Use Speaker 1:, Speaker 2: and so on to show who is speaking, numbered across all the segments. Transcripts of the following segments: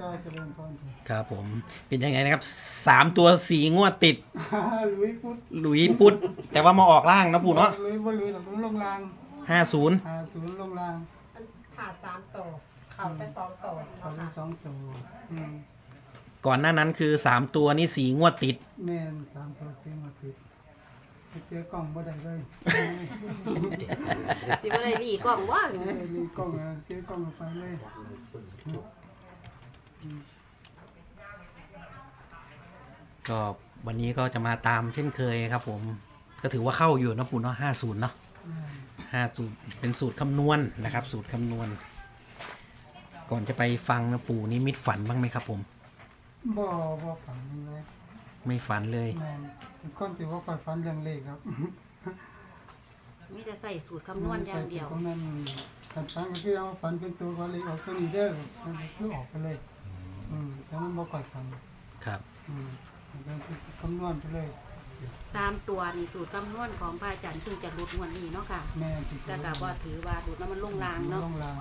Speaker 1: ก็จะเริ่มต้น
Speaker 2: ครับผมเป็นยังไงนะครับ3 ตัว4 งวดติด
Speaker 1: ลุยพุทธ
Speaker 2: หลุยปุดแต่ว่ามาออกล่างนะปู่เนาะ
Speaker 1: ลุยบ่ลุยหรอกลงราง
Speaker 2: 50
Speaker 1: 50ลงราง
Speaker 3: ขาด3ตัวเข่าไป2ตัว
Speaker 1: เขา
Speaker 3: เนาะ
Speaker 1: ได้
Speaker 3: ค่ะ
Speaker 1: 2ตัว
Speaker 2: ก่อนหน้านั้นคือ3 ตัวนี่4 งวดติด
Speaker 1: แม่น3ตัวเสียงมาติดไปเจอกล้องบ่ได้เลย
Speaker 4: สิบ่ได้รีกล้องว่า
Speaker 1: มีกล้องอะเจอกล้องเอาไปเลย
Speaker 2: ก็วันนี้ก็จะมาตามเช่นเคยครับผมก็ถือว่าเข้าอยู่นะปู่เนาะ50เนาะ50เป็นสูตรคำนวณนะครับ สูตรคำนวณ ก่อนจะไปฟังนะปู่นี่มิตฝันบ้างไหมครับผม
Speaker 1: บ่ฝันเลย
Speaker 2: ไม่ฝันเลย
Speaker 1: แม่นเป็นคนที่ว่าค่อยฝันเรื่องเลขครับ
Speaker 4: มีแต่ใส่สูตรคำนวณอย่างเดียว
Speaker 1: ตรงนั้นฝันก็คือเอาฝันเป็นตัวก็เลยออกตัวนี้เด้อมันคือออกไปเลยแต่มันบ่ค่อยฝัน
Speaker 2: ครับ
Speaker 1: มันเป็นคำนวณไปเลย
Speaker 4: 3 ตัวนี่สูตรคำนวณของพระอาจารย์ซึ่งจะหลุดงวดนี้เนาะค่ะ
Speaker 1: แม่ที่
Speaker 4: แต่ก็บ่ถือว่าหลุดแล้วมันลงรางเนาะ
Speaker 1: ลงราง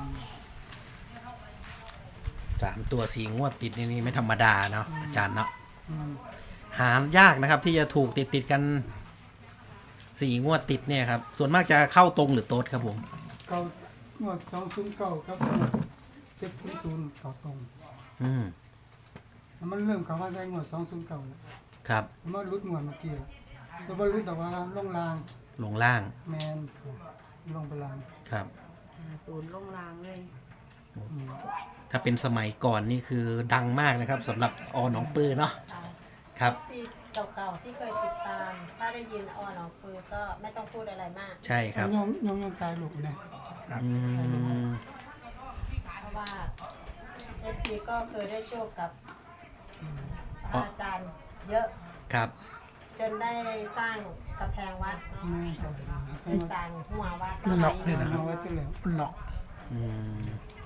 Speaker 2: 3 ตัว4 งวดติดนี่ไม่ธรรมดาเนาะอาจารย์เนาะ
Speaker 1: อืม
Speaker 2: หายากนะครับ ที่จะถูกติดกัน4 งวดติดเนี่ยครับส่วนมากจะเข้าตรงหรือโต๊ดครับผม
Speaker 1: เก้างวด209ครับ700เข้าตรง
Speaker 2: อืม
Speaker 1: มันเริ่มเข้ามาได้งวด209แล้ว
Speaker 2: ครับ
Speaker 1: มันรุดงวดเมื่อกี้แต่บ่รุดดอกว่าลงราง
Speaker 2: ลงล่าง
Speaker 1: แม่นลงไปราง
Speaker 2: ครับ
Speaker 4: ศูนย์ลงรางเลย
Speaker 1: อืม
Speaker 2: ถ้าเป็นสมัยก่อนนี่คือดังมากนะครับสำหรับอหนองปือเนาะครับ
Speaker 3: ซีเก่าๆที่เคยติดตาม ถ้าได้ยินออหนองปือก็ไม่ต้องพูดอะไรมาก
Speaker 2: ใช่ครับ
Speaker 1: ยงตายลูกนะ
Speaker 2: อืม
Speaker 3: เพราะว่าเอฟซีก็เคยได้โชคกับพระอาจารย์เยอะ
Speaker 2: ครับ
Speaker 3: จนได้สร้างกำแพงวัดเนาะ
Speaker 1: แม่ครับ
Speaker 3: ได้สร้างหัววัด
Speaker 1: มันหลอกเลยนะครับเอาไว้จังแล้วมันหลอก
Speaker 2: อืม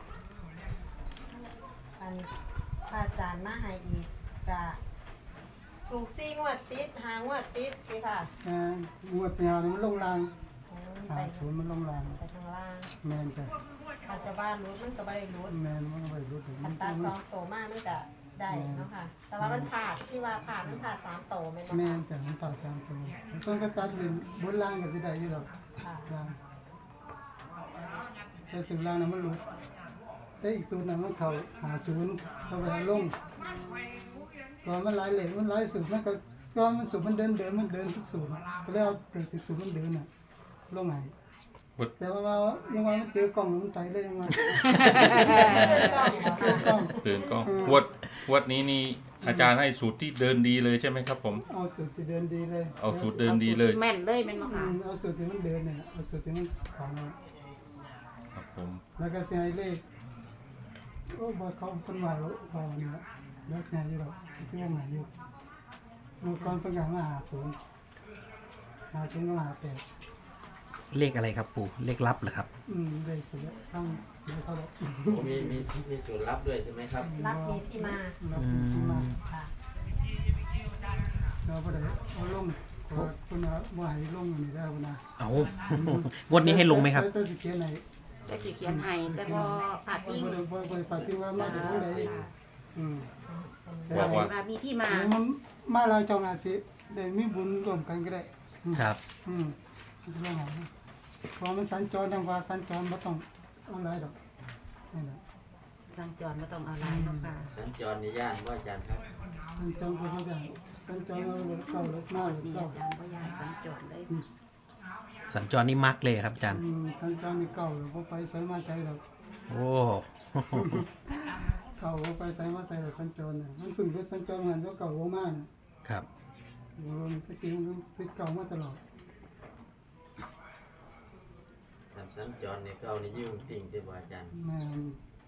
Speaker 3: อันพระอาจารย์มาให้อีกก็ถูก4 งวดติด5 งวดติดนี่ค่ะ
Speaker 1: งวดยาวนี่มันลงราง
Speaker 3: ไป
Speaker 1: 50มันลงราง
Speaker 3: ไปทางล่าง
Speaker 1: แม่นจ้ะ
Speaker 3: อาจจะว่ารู้มันก็ไม่ได้รู้
Speaker 1: แม่นมันก็ไปรู้ถึง
Speaker 3: อัตรา2 โตมากมันก็ได้เนาะค่ะ แต่ว่ามันผ่านที่ว่าผ่านมันผ่าน3 โตแม่นบ่
Speaker 1: แม่
Speaker 3: คะ
Speaker 1: นจ้ะมันผ่า3ตัวต้องก็ตัดเป็นบนล่างก็สิได้อยู่ดอก
Speaker 3: ค่ะ
Speaker 1: ล่างแต่สูตรล่างน่ะมันรู้แต่อีกสูตรน่ะมันเข้า50เข้าไปลงก่อนมันหลายเหลวมันหลายสูตรมันก็ก่อนมันสูตรมันเดินมันเดินทุกสูตรก็เลยเอาแต่สูตรมันเดินน่ะลงไหนแต่ว่ายังว่ามันเจอกล่องมันไปเลยยังว่าเจอกล่อง
Speaker 5: ตื่นกล้องวัดนี้นี่อาจารย์ให้สูตรที่เดินดีเลยใช่ไหมครับผม
Speaker 1: เอาสูตรที่เดินดีเลย
Speaker 5: เอาสูตรเดินดีเลย
Speaker 4: แม่นเลยแม่นบ่ค่ะ
Speaker 1: เอาสูตรที่มันเดินเนี่ยเอาสูตรที่มันของเรา
Speaker 5: ครับผม
Speaker 1: แล้วก็เสียเลขโอ้บอกเขาคนว่าพอเนี่ยแล้วเสียอยู่หรอกที่ว่าหมายอยู่เมื่อก่อนเป็นการมา50ก็58
Speaker 2: เลขอะไรครับปู่เลขลับเหรอครับ
Speaker 1: ได้สุดแล้วต้องเดี๋ยวเขาบอก
Speaker 6: มีสูตรลับด้วยใช่ไหมครับ
Speaker 3: รับมีที่มา
Speaker 1: รับที่มา
Speaker 3: ค่ะ
Speaker 1: เราบ่ได้เอาลงขอคุณว่าบ่ให้ลงอยู่นี่ได้บ่นะ
Speaker 2: เอา งวดนี้ให้ลงไหมครับ
Speaker 1: ตัวสิเขียนไหน
Speaker 4: แต่สิเขียนให้แต่บ่ผาดพิง
Speaker 1: บ่ได้ปฏิว่ามาจากผู้ใดอืม
Speaker 5: ว่า
Speaker 4: ว่ามีที่มา
Speaker 1: มันมาหลายจองอาสิได้มีบุญร่วมกันก็ได้
Speaker 2: ครับ
Speaker 1: เรื่องของพอมันสัญจรทางว่าสัญจรบ่ต้องเอาหลายดอกนี่แหละ
Speaker 4: ทางจรบ่ต้องเอาลายเนาะค่ะ
Speaker 6: สัญจรในย่านว่าอาจารย์ครับ
Speaker 1: สัญจรก็บ่ได้สัญจรเอารถเข้ารถมารถ
Speaker 4: นี่
Speaker 1: เข้า
Speaker 4: อาจารย์บ่ยากสัญจรเลย
Speaker 2: สัญจรนี่มักเลยครับอาจารย์
Speaker 1: สัญจรนี่เก่าแล้วบ่ไปไสมาไสดอก
Speaker 2: โอ้
Speaker 1: เก่าบ่ไปไสมาไสดอกสัญจรน่ะมันเพิ่งรถสัญจรหันว่าเก่าบ่มาน่ะ
Speaker 2: ครับ
Speaker 1: มันไปกินมันติดเก่ามาตลอด
Speaker 6: สัญจรในเก้าในยุ่งติ่งใช่ไหมอาจารย์
Speaker 1: แม่น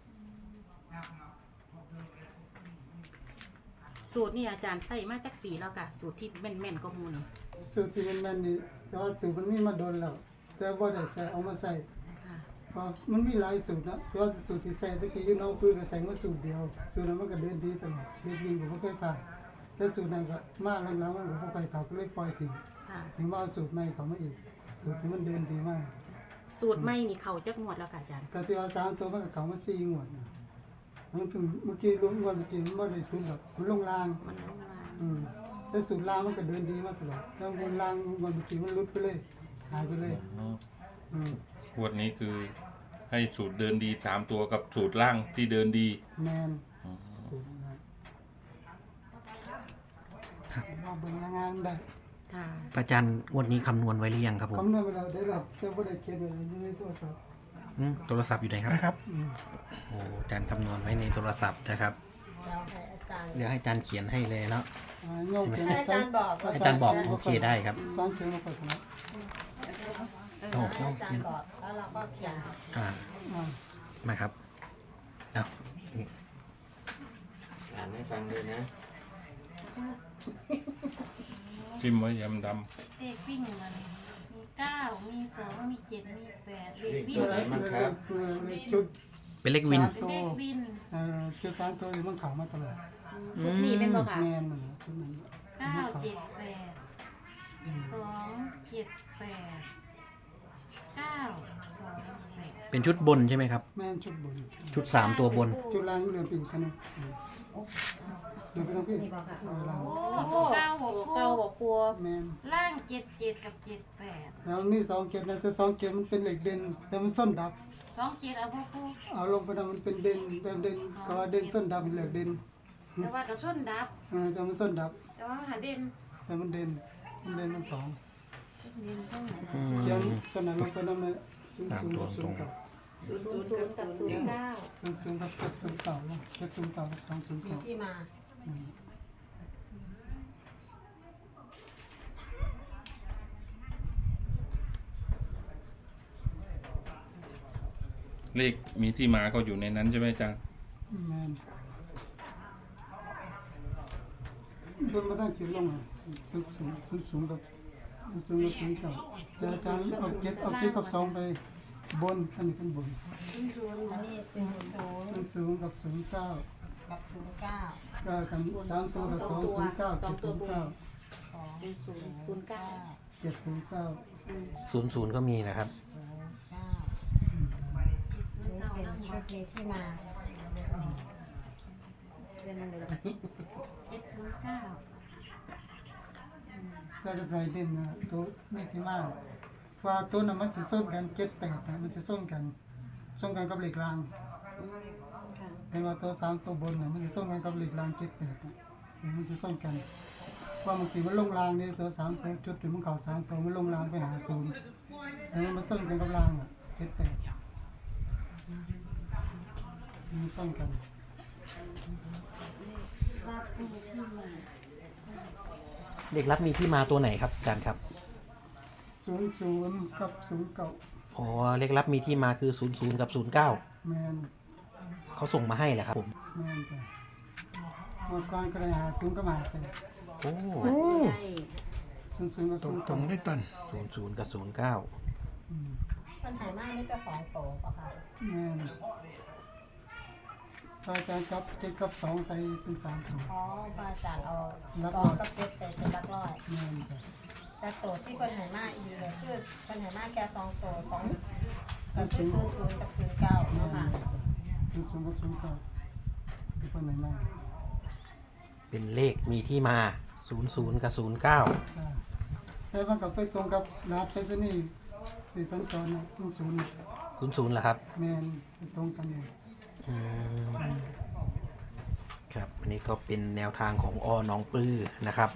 Speaker 4: สูตรนี่อาจารย์ใส่มาจากปีแล้วค่ะสูตรที่แม่นๆก็หมู่นี่
Speaker 1: สูตรที่มันแม่นนี่แต่ว่าสูตรมันมีมาโดนแล้วแต่บ่ได้ใส่เอามาใส่
Speaker 4: ค่ะ
Speaker 1: เพราะมันมีหลายสูตรนะแต่ว่าสูตรที่ใส่ตะกี้อยู่น้องปืนก็ใส่มาสูตรเดียวสูตรนั้นมันก็เดินดีตลอดเดินดีผมก็เคยผ่านแต่สูตรนั้นก็มาหลังๆมันก็บ่ค่อยเข้าก็เลยปล่อยทิ้ง
Speaker 4: ค่ะ
Speaker 1: ถึงมาเอาสูตรใหม่เข้ามาอีกสูตรที่มันเดินดีมาก
Speaker 4: สูตรใหม่นี่เข้าจักงวดแล้วค่ะอาจารย์
Speaker 1: ก็ที่ว่า3ตัวมันก็เข้ามา4งวดนะมันเพิ่งเมื่อกี้รู้ว่าเมื่อกี้มันไม่ได้ทุนหรอกมันลงล่าง
Speaker 4: มันลงมา
Speaker 1: แต่สูตรล่างมันก็เดินดีมากตลอดแล้วบนล่างวันเมื่อกี้มันลุดไปเลยหายไปเลย อืม
Speaker 5: งวดนี้คือให้สูตรเดินดีสามตัวกับสูตรล่างที่เดินดี
Speaker 1: แมน
Speaker 5: อ๋อ
Speaker 1: สูตรล่างว่าเบิ่งงานได้
Speaker 4: ค่ะ
Speaker 2: พระอาจารย์งวดนี้คำนวณไว้หรือยังครับผม
Speaker 1: คำนวณไปแล้วได้รับแต่บ่ได้เขียนไว้ในโทรศัพท์
Speaker 2: โทรศัพท์อยู่ไหนครับ
Speaker 7: นะครับ
Speaker 1: อืม
Speaker 2: โอ้อาจารย์คำนวณไว้ในโทรศัพท์นะครับ
Speaker 3: เราให้อาจารย์
Speaker 2: เดี๋ยวให้อาจารย์เขียนให้เลยเนาะ
Speaker 1: โยกเขียน
Speaker 3: ให้อาจารย์บอก
Speaker 2: อาจารย์บอกโอเคได้ครับ
Speaker 1: อาจารย์เขียนมาก่อนนะ
Speaker 2: โอ้
Speaker 3: ให้อาจารย์บอกแล้วเราก็เขียน
Speaker 2: อ่า
Speaker 1: อ่า
Speaker 2: มาครับเอานี่
Speaker 6: อ่านให้ฟังด้วยนะ
Speaker 5: จิ้มไว้ยำด
Speaker 8: เลขวิ่งมันมี9มี2มี7มี8เลข
Speaker 6: วิ่ง
Speaker 8: วิ่ง
Speaker 6: ตัวไหนมั่งครับ
Speaker 1: จุด
Speaker 2: เป็นเลขวิน
Speaker 1: สาม
Speaker 8: เป็น
Speaker 1: ตัว
Speaker 8: เลขวิน
Speaker 1: จุดสามตัวนี่มันเข้ามาตลอด
Speaker 4: ชุดนี้เป็นบ่ค่ะ
Speaker 1: แมนมันชุดนั้น
Speaker 8: 9 7 8 2 7 8 9 2 8
Speaker 2: เป็นชุดบนใช่ไหมครับ
Speaker 1: แมนชุดบน
Speaker 2: ชุด3ตัวบน
Speaker 1: จุดล่างเรือเป็นขนาดเรือเป็นทั้งพี่
Speaker 4: นี่บ่ค่ะ
Speaker 1: ล่าง
Speaker 8: โอ้9
Speaker 4: ตัว
Speaker 8: 6
Speaker 4: เก่าบ่ปัว
Speaker 1: แมน
Speaker 8: ล่าง7 7กับ7 8
Speaker 1: แล้วมีสองเกตนะแต่สองเกตมันเป็นเหล็กเด่นแต่มันส้นดับ
Speaker 8: 2 7เอาบ่ปู
Speaker 1: เอาลงไปทำมันเป็นเด่นแต่เด่นก็เด่นส้นดับเป็นเหล็กเด่น
Speaker 8: แต่ว่ากับส้นดับ
Speaker 1: แต่มันส้นดับ
Speaker 8: แต่ว่าหาเด่น
Speaker 1: แต่มันเด่นมันสอง
Speaker 8: เด่นทั้งนั้น
Speaker 2: อืม
Speaker 1: เขียนตอนนั้นลงไปนั่นเลยศูนย์
Speaker 2: ตาม
Speaker 1: ศูนย์
Speaker 2: ตัว
Speaker 1: กับ
Speaker 2: ต
Speaker 1: ศู
Speaker 2: ร
Speaker 1: น
Speaker 2: ง
Speaker 1: ย์เก้า
Speaker 3: 00กับ09
Speaker 1: ศูนย์ศูนย์กับเจ็ดศูนย์เก้าเจ็ดศูนย์เก้ากับสองศูนย์
Speaker 3: มี
Speaker 1: เก้า
Speaker 3: ที่มา
Speaker 5: ำเลขมีที่มาก็อยู่ในนั้นใช่ไหมอาจารย์
Speaker 1: แมนบนมาตั้งเขียนลงอ่ะศูนย์ศูนย์กับศูนย์กับศูนย์เก้าแต่อาจารย์เอาเจ็ดกับสองไปบนอันนี้เป็นบน
Speaker 3: อันนี้00
Speaker 1: ศูนย์ศูนย์กับศูนย์เก้า
Speaker 3: กับ09
Speaker 1: ก็กันสามตัวกับสองศูนย์เก้าเจ็ดศูนย์เก้า
Speaker 4: เป็น009
Speaker 1: เจ็ดศูนย์เก้า
Speaker 2: 00ก็มีนะครับ
Speaker 3: นี่เป็นชุดมีที่มา
Speaker 4: เป็นมันเลย
Speaker 8: 709
Speaker 1: ก็จะใส่เด่นนะตัวไม่ที่มากฟ้าตัวนั้นมันจะส้นกันเจ็ดแปดนะมันจะส้นกันกับเหล็กราง
Speaker 4: ค่ะ
Speaker 1: เห็นว่าตัวสามตัวบนน่ะมันจะส้นกันกับเหล็กรางเจ็ดแปดมันจะส้นกันว่าบางทีมันลงรางนี่ตัวสามตัวจุดถึงมันเข่าสามตัวมันลงรางไปหาศูนย์แต่มันส้นกันกับรางอ่ะเจ็ดแปดมันส้นกัน
Speaker 8: รับผู้ที่มา
Speaker 2: เลขลับมีที่มาตัวไหนครับอาจารย์ครับ
Speaker 1: ศูนย์ศูนย์กับศูนย์เก้า
Speaker 2: อ๋อ เลขลับมีที่มาคือ00กับ09
Speaker 1: แมน
Speaker 2: เขาส่งมาให้แหละครับผม
Speaker 1: แม่นจ้ะเมื่อก่อนก็เลยหาศูนย์ก็มาแต่
Speaker 2: โอ้
Speaker 4: ใช่
Speaker 1: ศูนย์ก็ศูนย์
Speaker 7: ตรงได้ตอน
Speaker 2: 00กับ09
Speaker 3: ปัญหามากนี่จะ2โตป่ะคะ
Speaker 1: แม่นพระอาจารย์จับเจ็ดกับสองใส่เป็นสามตัว
Speaker 3: อ๋อพระอาจารย์เอา
Speaker 1: รับ
Speaker 3: 2กับ7เป็นหลักร้อย
Speaker 1: แม่นจ้ะ
Speaker 3: แต่โตที่ปัญหามากอีกเลยคือปัญหามากแค่2โต2ก็คือ00กับ09
Speaker 1: แม่
Speaker 3: เนาะ
Speaker 1: น
Speaker 3: ค่ะ
Speaker 1: จ้ะศูนย์กับศูนย์เก้าเป็นคนไหนมา
Speaker 2: เป็นเลขมีที่มา00กับ09
Speaker 1: จ้ะแต่มันก็ไปตรงกับรหัสไปรษณีย์ที่สัญจรนะศูนย์
Speaker 2: 00เหรอครับ
Speaker 1: แม่นไปตรงกันเลย
Speaker 2: อืมครับ อันนี้ก็เป็นแนวทางของอน้องปลื้อนะครับ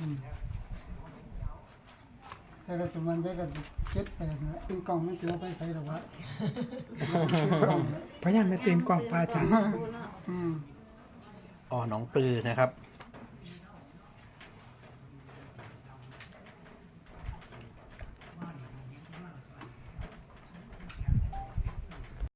Speaker 1: แต่ละสมันได้ก็เจ็ดแปดนะเป็นกล่องมันจะเอาไปใส่หรอวะกล่องนะ
Speaker 7: พยายามไม่เต็นกล่องปลาอาจารย์
Speaker 1: อืม
Speaker 2: อน้องปลื้อนะครับ